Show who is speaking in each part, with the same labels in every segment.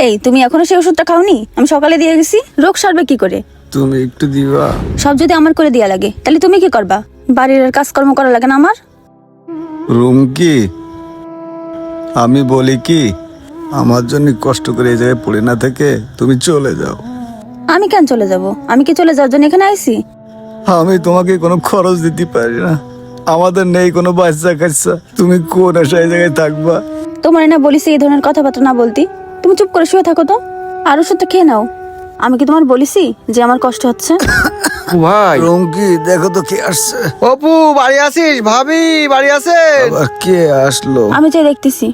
Speaker 1: এই তুমি এখনো সেই ওষুধটা খাওনি? আমি সকালে দিয়ে গেছি। রোগ সারবে কি করে?
Speaker 2: তুমি একটু দিবা?
Speaker 1: সব যদি আমার করে দেয়া লাগে তাহলে তুমি কি করবা? বাড়ির আর কাজকর্ম করা লাগে না আমার?
Speaker 2: রুমকি, আমি বলি কি, আমার জন্য কষ্ট করে এই জায়গায় পড়ে না থেকে তুমি চলে যাও।
Speaker 1: আমি কেন চলে যাব? আমি কি চলে যাওয়ার জন্য এখানে আইছি?
Speaker 2: আমি তোমাকে কোনো খরচ দিতে পারি না, আমাদের নেই কোনো বাচ্চা কাচ্চা, তুমি কোন আশা এই জায়গায় থাকবা?
Speaker 1: তোমার না বলিছি এই ধরনের কথাবার্তা না বলতি। তুমি চুপ করে শুয়ে থাকো তো, আর ওষুধটা খেয়ে নাও। আমি কি তোমার বলিছি যে আমার কষ্ট হচ্ছে?
Speaker 3: ভাই
Speaker 2: রুমকি, দেখো তো কে আসছে।
Speaker 3: অপু বাড়ি আছিস? ভাবি বাড়ি আছেন?
Speaker 2: আবার কে আসলো?
Speaker 1: আমি যে দেখতেছি।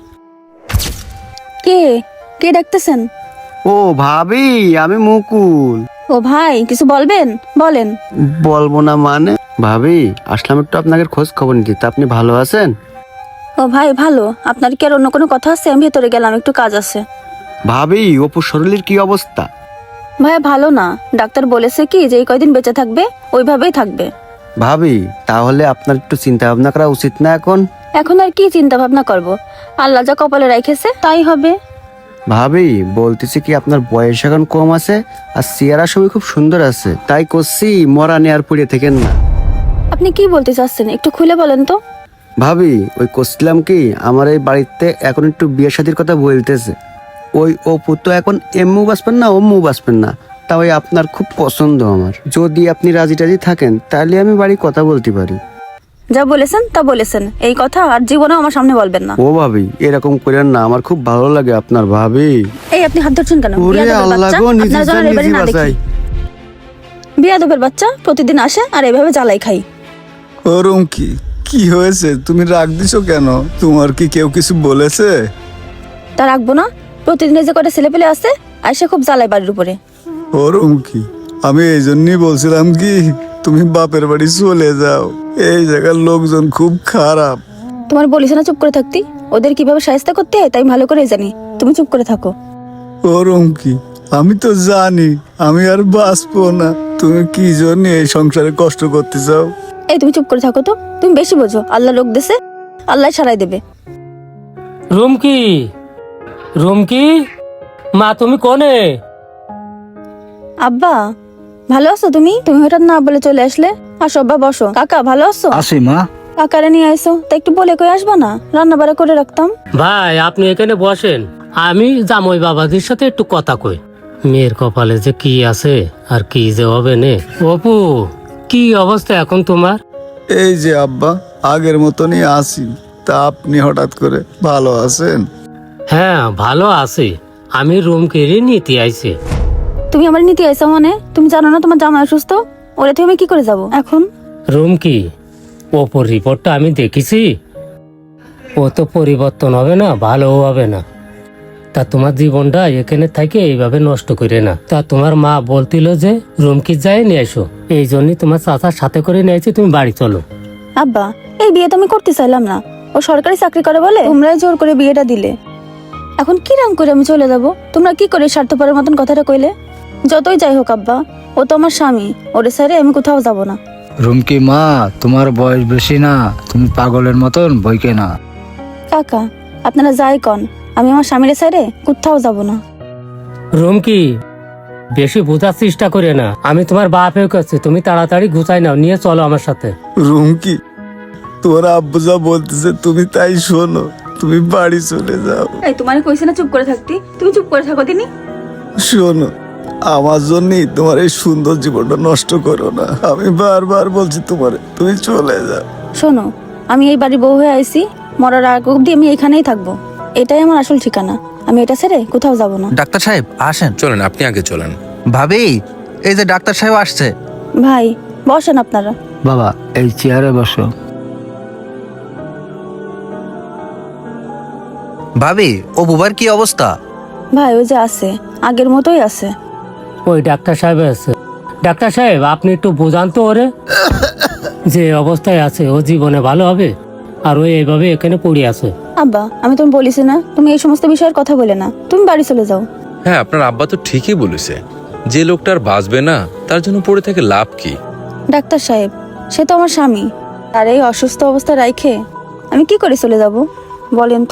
Speaker 1: কে কে ডাকতেছেন?
Speaker 3: ও ভাবি, আমি মুকুল।
Speaker 1: ও ভাই, কিছু বলবেন? বলেন।
Speaker 3: বলবো না মানে? ভাবি আসলাম একটু আপনাদের খোঁজ খবর নিতে, তা আপনি ভালো আছেন?
Speaker 1: ও ভাই ভালো। আপনার কি আর অন্য কোনো কথা আছে? আমি ভেতরে গেলাম, একটু কাজ আছে।
Speaker 3: ভাবি অপুর শরীরের কি অবস্থা?
Speaker 1: ভাইয়া ভালো না, ডাক্তার বলেছে কি যে এই কয়দিন বেঁচে থাকবে, ওইভাবেই থাকবে।
Speaker 3: ভাবি তাহলে আপনার একটু চিন্তা ভাবনা করা উচিত না এখন?
Speaker 1: এখন আর কি চিন্তা ভাবনা করব? আল্লাহ যা কপালে রাখেছে তাই হবে।
Speaker 3: ভাবি বলতেছি কি, আপনার বয়স এখন কম আছে আর চেহারা সবই খুব সুন্দর আছে, তাই করছি মরা নেয়ার পুড়ে থেকেন না।
Speaker 1: আপনি কি বলতে চাচ্ছেন একটু খুলে বলেন তো।
Speaker 3: ভাবি ওই করছিলাম কি, আমার এই বাড়িতে এখন একটু বিয়ে শাদীর কথা বলতেছে। ওই অপু তো এখন এমু বাঁচবেন না অম্মু বাঁচবেন না, তা ওই আপনার খুব পছন্দ আমার। যদি আপনি রাজি টাজি থাকেন তাহলে আমি বাড়ি কথা বলতে পারি।
Speaker 1: যা বলেছেন তা বলেছেন, এই কথা আর জীবনেও আমার সামনে বলবেন না।
Speaker 3: ও ভাবি এরকম করেন না, আমার খুব ভালো লাগে আপনার। ভাবি
Speaker 1: এই আপনি হাত ধরছেন কেন?
Speaker 3: ওরে
Speaker 1: বিয়াদবের
Speaker 3: আল্লাহ
Speaker 1: বাচ্চা,
Speaker 3: গো, নিজে
Speaker 1: আপনারা যেন
Speaker 3: যান,
Speaker 1: এবারে
Speaker 3: নিজে
Speaker 1: না দেখি।
Speaker 3: বাঁচাই।
Speaker 1: বিয়াদবের বাচ্চা প্রতিদিন আসে আর এভাবে জ্বালাই খাই।
Speaker 2: ও রুমকি, কি হয়েছে? তুমি রাগ দিছো কেন? তোমার কি কেউ কিছু বলেছে?
Speaker 1: তা রাখবো না? প্রতিদিন যে কটা ছেলে পেলে আসে আর সে খুব জ্বালাই বাড়ির উপরে।
Speaker 2: ও রুমকি, আমি এই জন্যই বলছিলাম কি, তুমি বাপের বাড়ি চলে যাও, এই জায়গার লোকজন খুব খারাপ।
Speaker 1: তোমার বলিস না চুপ করে থাকতি? ওদের কিভাবে সাহায্য করতে হয় তাই ভালো করেই জানি। তুমি চুপ করে থাকো।
Speaker 2: ও রুমকি, আমি তো জানি আমি আর বাঁচবো না, তুমি কি জন্য এই সংসারে কষ্ট করতে চাও?
Speaker 1: এই তুমি চুপ করে থাকো তো, তুমি বেশি বোঝো। আল্লাহ লোক দেশে, আল্লাহ সারাই দেবে।
Speaker 4: রুমকি, রুমকি, মা তুমি কোনে?
Speaker 1: আব্বা ভালো আছো তুমি? তুমি হঠাৎ না বলে চলে আসলে। আসো আব্বা বসো। কাকা ভালো আছো?
Speaker 5: আসি মা।
Speaker 1: কাকারে নিয়ে আইসো, তা একটু বলে কই আসবা না? রান্না বাড়া করে রাখতাম।
Speaker 4: ভাই আপনি এখানে বসেন, আমি জামই বাবাজির সাথে একটু কথা কই। মেয়ের কপালে যে কি আছে আর কি যে হবে নে। অপু, কি অবস্থা এখন তোমার?
Speaker 2: এই যে আব্বা, আগের মতনই আছি। তা আপনি হঠাৎ করে ভালো আছেন?
Speaker 4: হ্যাঁ ভালো আছি। আমি রুমকিরই নিতে আইছি।
Speaker 1: তুমি আমার নিতে আইসো মানে? তুমি জানো না তোমার জামাই অসুস্থ? ওরে তুমি কি করে যাব এখন?
Speaker 4: রুমকি, অপুর রিপোর্টটা আমি দেখেছি, ও তো পরিবর্তন হবে না, ভালোও হবে না। তা তোমার জীবনটা এখানে থেকে এইভাবে নষ্ট করে না। তা তোমার মা বলছিল যে রুমকি যাই নিয়ে এসো, এই জন্যই তোমার চাচার সাথে করে নিয়েছি, তুমি বাড়ি চলো।
Speaker 1: আব্বা এই বিয়ে তো আমি করতে চাইলাম না। ও সরকারি চাকরি করে বলে তোমরাই জোর করে বিয়েটা দিলে। এখন কি রাম করে আমি চলে যাব? তোমরা কি করে স্বার্থপরের মতন কথাটা কইলে? যতই যাই হোক আব্বা, ও তো আমার স্বামী, ওরে ছেড়ে আমি কোথাও যাব না।
Speaker 5: রুমকি মা, তোমার বয়স বেশি না, তুমি পাগলের মতন বইকে না।
Speaker 1: কাকা আপনারা যাই কন, আমি আমার স্বামীর ছেড়ে কোথাও যাব না।
Speaker 4: রুমকি, বেশি বোঝার চেষ্টা করে না, আমি তোমার বাপ হয়ে গেছি, তুমি তাড়াতাড়ি গুছাই নাও, নিয়ে চলো আমার সাথে।
Speaker 2: রুমকি, তোর আব্বু যা বলতেছে তুমি তাই শোনো, তুমি বাড়ি চলে যাও।
Speaker 1: এই তোমার কইছে না চুপ করে থাকতি? তুমি চুপ করে থাকো দিনি।
Speaker 2: শোনো, আমার জন্যই তোমার এই সুন্দর জীবনটা নষ্ট করো না, আমি বারবার বলছি তোমার, তুমি চলে যাও।
Speaker 1: শোনো, আমি এই বাড়ির বউ হয়ে আইছি, মরার আগ অব্দি আমি এখানেই থাকবো। এটাই আমার আসল ঠিকানা, আমি এটা ছেড়ে কোথাও যাব না।
Speaker 6: ডাক্তার সাহেব আসেন।
Speaker 7: চলেন, আপনি আগে চলেন।
Speaker 6: ভাবি, এই যে ডাক্তার সাহেব আসছে।
Speaker 1: ভাই বসেন আপনারা।
Speaker 5: বাবা এই চেয়ারে বসো।
Speaker 6: ভাবি, ও বুবার কি অবস্থা?
Speaker 1: ভাই ওই যে আছে, আগের মতোই আছে।
Speaker 4: ওই ডাক্তার সাহেব আছে। ডাক্তার সাহেব আপনি একটু বোঝান তো ওরে, যে অবস্থায় আছে ও জীবনে ভালো হবে আর ও এইভাবে এখানে পড়ে আছে।
Speaker 1: আব্বা আমি তুমি বলিস না, তুমি এই সমস্ত বিষয়ের কথা বলে না, তুমি বাড়ি চলে যাও।
Speaker 7: হ্যাঁ, আপনার আব্বা তো ঠিকই বলেছে, যে লোকটা আর বাঁচবে না তার জন্য পড়ে থেকে লাভ কি?
Speaker 1: ডাক্তার সাহেব সে তো আমার স্বামী, আর এই অসুস্থ অবস্থা রাইখে আমি কি করে চলে যাব বলেন তো?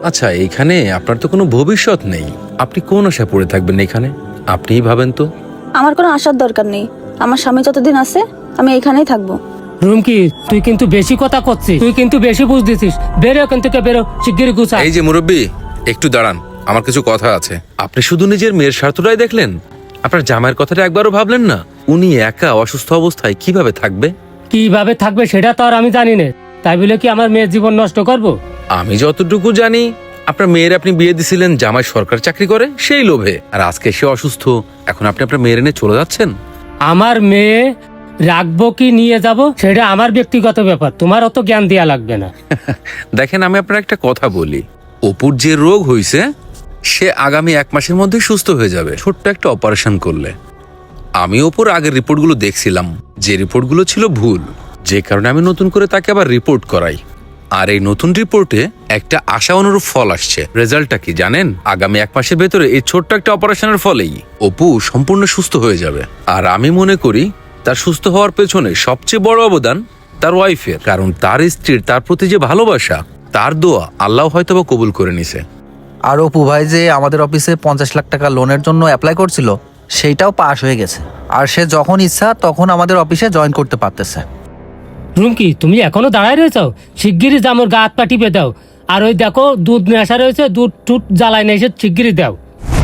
Speaker 7: আচ্ছা, এখানে আপনার তো কোনো ভবিষ্যৎ নেই, আপনি কোন আশা পড়ে থাকবেন এখানে? আপনিই ভাবেন তো।
Speaker 1: আমার কোনো আশার দরকার নেই, আমার স্বামী যতদিন আছে আমি এখানেই থাকবো।
Speaker 4: রুমকি, তুই কিন্তু বেশি কথা করছিস, তুই কিন্তু বেশি বুঝ দিছিস। বেরো এখান থেকে, বেরো শিগগিরই গুছা।
Speaker 7: এই যে মুরব্বী, একটু দাঁড়ান, আমার কিছু কথা আছে। আপনি শুধু নিজের মেয়ের স্বার্থটাই দেখলেন, আপনার জামাইয়ের কথাটা একবারও ভাবলেন না? উনি একা অসুস্থ অবস্থায় কিভাবে থাকবে?
Speaker 4: কিভাবে থাকবে সেটা তো আর আমি জানি না, তাই বলে কি আমার মেয়ের জীবন নষ্ট করব?
Speaker 7: আমি যতটুকু জানি, আপনার মেয়ের আপনি বিয়ে দিছিলেন জামাই সরকার চাকরি করে সেই লোভে, আর আজকে সে অসুস্থ, এখন আপনি আপনার মেয়ের এনে চলে যাচ্ছেন।
Speaker 4: আমার মেয়ে রাখবো কি নিয়ে যাব সেটা আমার ব্যক্তিগত ব্যাপার, তোমার অত জ্ঞান দেয়া লাগবে না।
Speaker 7: দেখেন, আমি আপনার একটা কথা বলি, অপুর যে রোগ হয়েছে সে আগামী 1 মাসের মধ্যে সুস্থ হয়ে যাবে, ছোট্ট একটা অপারেশন করলে। আমি অপুর আগের রিপোর্টগুলো দেখছিলাম, যে রিপোর্টগুলো ছিল ভুল, যে কারণে আমি নতুন করে তাকে আবার রিপোর্ট করাই। আর এই নতুন রিপোর্টে একটা আশা অনুরূপ ফল আসছে। রেজাল্টটা কি জানেন? আগামী 1 মাসের ভেতরে এই ছোট্ট একটা অপারেশনের ফলেই অপু সম্পূর্ণ সুস্থ হয়ে যাবে। আর আমি মনে করি তার সুস্থ হওয়ার পেছনে সবচেয়ে বড় অবদান তার ওয়াইফের, কারণ তার স্ত্রীর তার প্রতি যে ভালোবাসা, তার দোয়া আল্লাহ হয়তোবা কবুল করে নিছে।
Speaker 6: আর অপু ভাই যে আমাদের অফিসে 50 লাখ টাকা লোনের জন্য অ্যাপ্লাই করছিল, সেইটাও পাস হয়ে গেছে। আর সে যখন ইচ্ছা তখন আমাদের অফিসে জয়েন করতে পারতেছে।
Speaker 4: রুমকি, তুমি এখনো দাঁড়ায় রয়েছো? শিগগিরই জামুর গা হাত পা টিপে দাও। আর ওই দেখো দুধ নেশা রয়েছে, দুধ টুট জ্বালায় নেই, শিগগিরই দাও।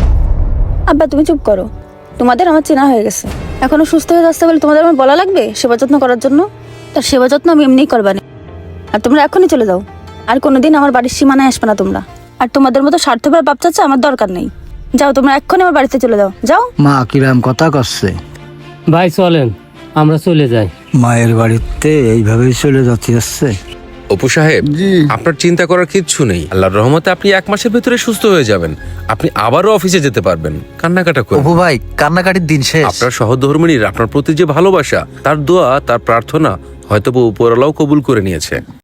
Speaker 1: আব্বা তুমি চুপ করো, তোমাদের আমার চেনা হয়ে গেছে। এখনো সুস্থ হয়ে যাচ্ছে বলে তোমাদের আমার বলা লাগবে সেবা যত্ন করার জন্য? তার সেবা যত্ন আমি এমনিই করবানি। আর তোমরা এখনই চলে যাও, আর কোনোদিন আমার বাড়ির সীমানায় আসবে না তোমরা। আর তোমাদের মতো স্বার্থপর বাপ চাচা আমার দরকার নেই। যাও, তোমরা এক্ষুনি আমার বাড়িতে চলে যাও, যাও।
Speaker 5: মা কিরাম কথা করছে।
Speaker 4: ভাই চলেন, আমরা চলে যাই।
Speaker 5: মায়ের বাড়িতে এইভাবেই চলে যাচ্ছে।
Speaker 7: অপু সাহেব,
Speaker 2: জি।
Speaker 7: আপনার চিন্তা করার কিচ্ছু নেই, আল্লাহর রহমতে আপনি 1 মাসের ভেতরে সুস্থ হয়ে যাবেন। আপনি আবারও অফিসে যেতে পারবেন, কান্নাকাটা করবেন।
Speaker 6: অপু ভাই, কান্নাকাটির দিন শেষ।
Speaker 7: আপনার সহধর্মিণীর আপনার প্রতি যে ভালোবাসা, তার দোয়া, তার প্রার্থনা হয়তো উপরওয়ালাও কবুল করে নিয়েছে।